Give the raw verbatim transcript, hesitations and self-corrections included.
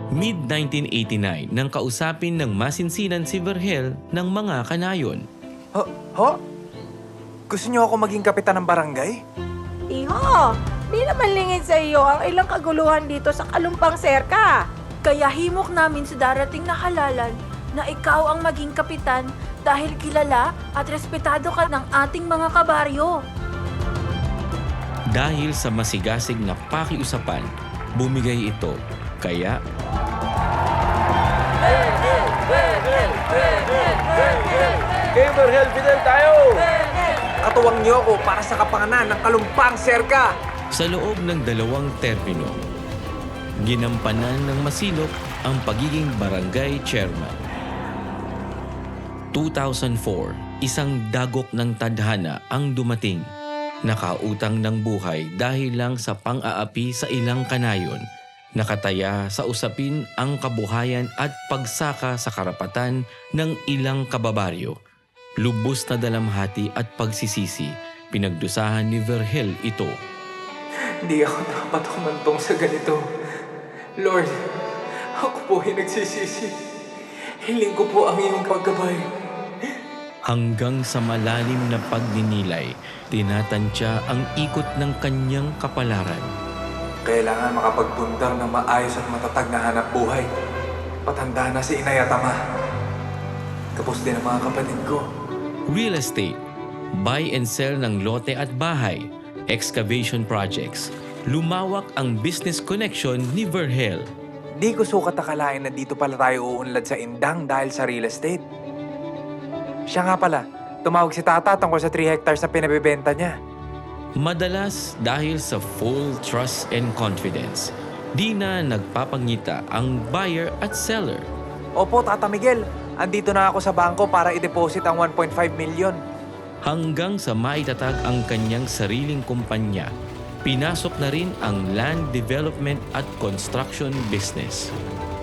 mid nineteen eighty-nine nang kausapin ng masinsinan si Vergel ng mga kanayon. Ho? Ho? Gusto niyo ako maging kapitan ng barangay? Iho, di naman lingid sa iyo ang ilang kaguluhan dito sa Kalumpang Serka. Kaya himok namin sa darating na halalan na ikaw ang maging kapitan dahil kilala at respetado ka ng ating mga kabaryo. Dahil sa masigasig na pakiusapan, bumigay ito. Kaya Kay Vergel Fidel tayo! Katuwang niyo ako para sa kapakanan ng Kalumpang Serka! sa loob ng dalawang termino, ginampanan ng masinop ang pagiging barangay chairman. two thousand four, isang dagok ng tadhana ang dumating. Nakautang ng buhay dahil lang sa pang-aapi sa ilang kanayon. Nakataya sa usapin ang kabuhayan at pagsaka sa karapatan ng ilang kababaryo. Lubos na dalamhati at pagsisisi, pinagdusahan ni Vergel ito. Hindi ako dapat humantong sa ganito. Lord, ako po ay nagsisisi. Hiling ko po ang iyong paggabay. Hanggang sa malalim na pagninilay, tinatantya ang ikot ng kanyang kapalaran. Kailangan makapagpundar ng maayos at matatag na hanap buhay. Patanda na si Inay at Ama. Tapos din ang mga kapatid ko. Real estate, buy and sell ng lote at bahay, excavation projects. Lumawak ang business connection ni Vergel. Di ko sukat akalain na dito pala tayo uunlad sa indang dahil sa real estate. Siya nga pala, tumawag si Tata tungkol sa three hectares na pinabibenta niya. Madalas dahil sa full trust and confidence, di na nagpapangita ang buyer at seller. Opo, Tata Miguel. Andito na ako sa bangko para i-deposit ang one point five million. Hanggang sa maitatag ang kanyang sariling kumpanya, pinasok na rin ang land development at construction business.